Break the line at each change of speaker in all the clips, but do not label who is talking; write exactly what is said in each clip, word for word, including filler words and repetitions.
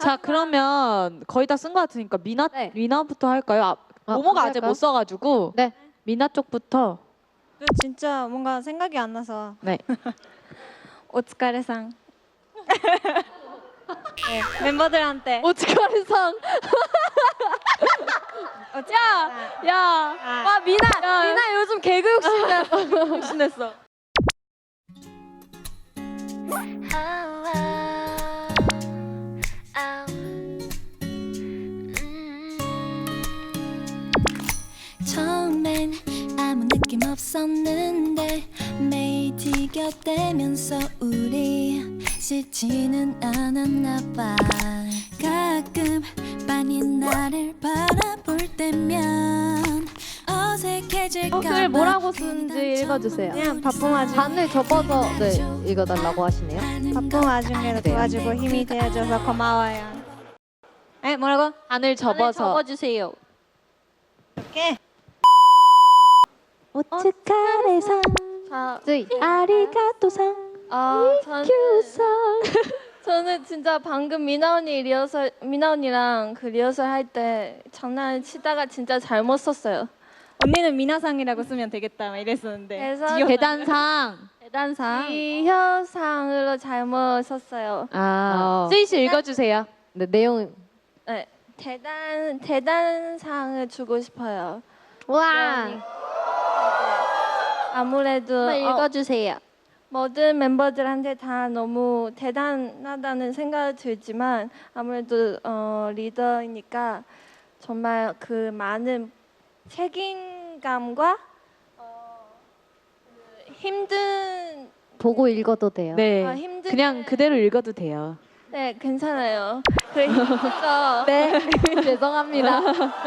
자 그러면 거의 다 쓴 것 같으니까 미나
네.
미나부터 할까요? 아,
아,
모모가 아직
할까요?
못 써가지고
네.
미나 쪽부터.
그 진짜 뭔가 생각이 안 나서.
네.
오츠카레상. 네, 멤버들한테.
오츠카레상.
오츠카레상.
야,
아.
와 미나, 미나 요즘 개그 욕심냈어. 욕심냈어.
처음엔 아무 느낌 없었는데 매일 티격대면서 우리 싫지는 않았나 봐. 가끔 빤히 나를 바라볼 때면 어색해질까
어, 글 뭐라고 쓰는지 읽어주세요.
그냥 바쁜 와중에
반을 접어서 네 읽어달라고 하시네요.
바쁜 와중에도 도와주고 힘이 되어줘서 고마워요. 에 뭐라고?
안을 접어서.
접어주세요.
이렇게.
오츠카레상.
자,
아리가또상.
아 저는 저는 진짜 방금 미나 언니 리허설 미나 언니랑 그 리허설 할 때 장난을 치다가 진짜 잘못 썼어요.
언니는 미나상이라고 쓰면 되겠다 막 이랬었는데.
그래서
지효-
대단상.
대단상 기혀상으로 잘못 썼어요.
아.
어.
쓰이 씨 읽어주세요.
네 내용 네 대단 대단상을 주고 싶어요. 와 아무래도
읽어주세요.
어, 모든 멤버들한테 다 너무 대단하다는 생각이 들지만 아무래도 어, 리더이니까 정말 그 많은 책임감과 어, 그 힘든
보고 읽어도 돼요.
네.
아, 힘든
그냥
게-
그대로 읽어도 돼요.
네 괜찮아요. 그 힘든 거
네, 죄송합니다.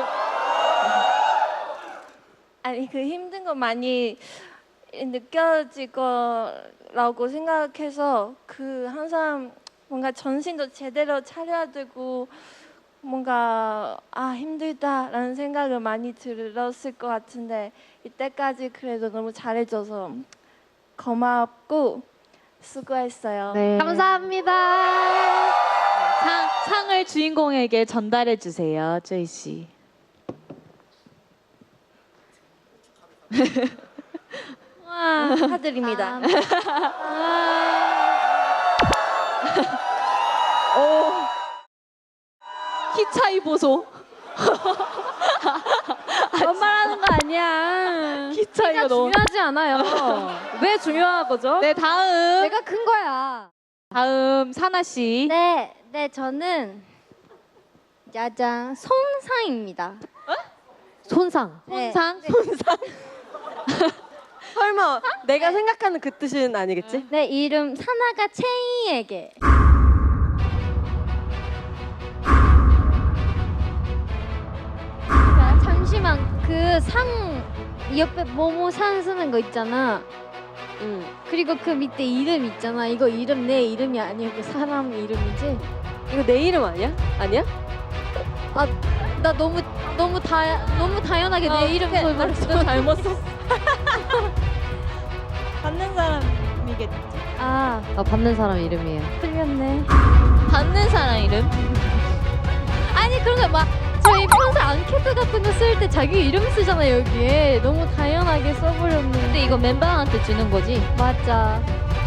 아니 그 힘든 거 많이 느껴질 거라고 생각해서 그 항상 뭔가 정신도 제대로 차려야 되고 뭔가 아 힘들다라는 생각을 많이 들었을 것 같은데 이때까지 그래도 너무 잘해줘서 고맙고 수고했어요.
네.
감사합니다.
상, 상을 주인공에게 전달해 주세요, 쯔이 씨.
와 축하드립니다.
오. 키 차이 보소.
반말하는 거 아니야.
키 차이가 너무.
중요하지 않아요. 왜 중요한 거죠?
네, 다음.
내가 큰 거야.
다음 사나 씨.
네, 네 저는 짜잔 손상입니다.
손상.
네.
손상.
설마 내가 생각하는 그 뜻은 아니겠지?
내 이름 사나가 채이에게. 자, 잠시만 그 상 옆에 모모 상 쓰는 거 있잖아.
응.
그리고 그 밑에 이름 있잖아. 이거 이름 내 이름이 아니고 사람 이름이지?
이거 내 이름 아니야? 아니야?
나 너무 너무 다 너무 당연하게 내 이름 소리 말했어.
잘못 썼어.
받는 사람이겠지.
아,
아 받는 사람 이름이에요.
틀렸네.
받는 사람 이름?
아니 그런 거 막 저희 평소 앙케이트 같은 거 쓸 때 자기 이름 쓰잖아요 여기에. 너무 당연하게 써버렸는데.
근데 이거 멤버한테 주는 거지?
맞아.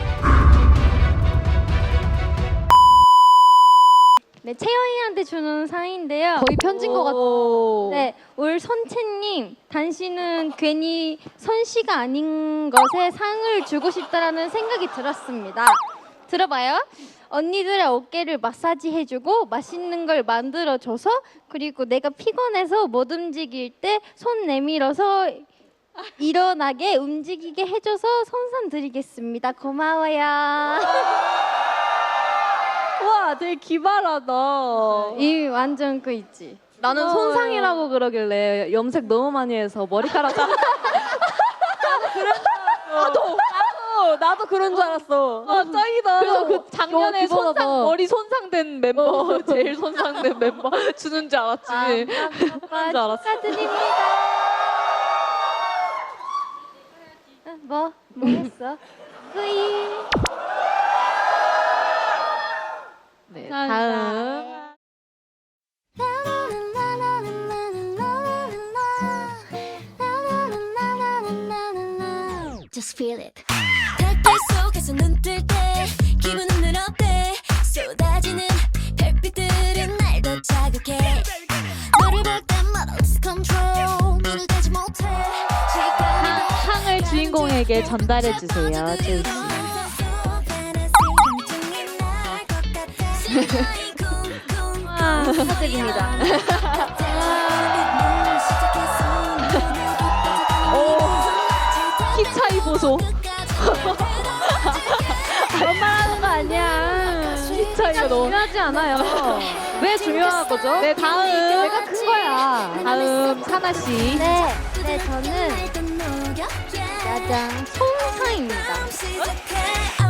네, 채영이한테 주는 상인데요.
거의 편진 것 같아.
네, 올 선채님, 당신은 괜히 선씨가 아닌 것에 상을 주고 싶다라는 생각이 들었습니다. 들어봐요. 언니들의 어깨를 마사지 해주고 맛있는 걸 만들어줘서 그리고 내가 피곤해서 못 움직일 때 손 내밀어서 일어나게 움직이게 해줘서 손상 드리겠습니다. 고마워요.
와 되게 기발하다.
이 완전 그 있지.
나는 손상이라고 그러길래 염색 너무 많이 해서 머리카락 자르. 나도 나도 나도 그런 줄 알았어. 아 짱이다.
그래서 그 작년에
어, 기본하다.
손상 머리 손상된 멤버 제일 손상된 멤버 주는 줄 알았지.
아,
그런 줄 알았어.
축하드립니다. 어, 뭐? 뭐 했어? 뿌이.
네, 다음.
just feel it. 달빛 속에서 눈 뜰 때 기분은 늘 어때? 쏟아지는 별빛들은 날 더 자극해. 너를 볼 때마다 lose control. 눈을 떼지 못해.
향을 주인공에게 전달해 주세요, 제이 씨.
아, 축하드립니다.
키 차이 보소.
그런 말 하는 거 아니야.
키 차이가 너무.
중요하지 않아요.
왜 중요한 거죠? 네, 다음.
내가 큰 거야.
다음 사나 씨.
네, 네 저는 짜잔 송사입니다.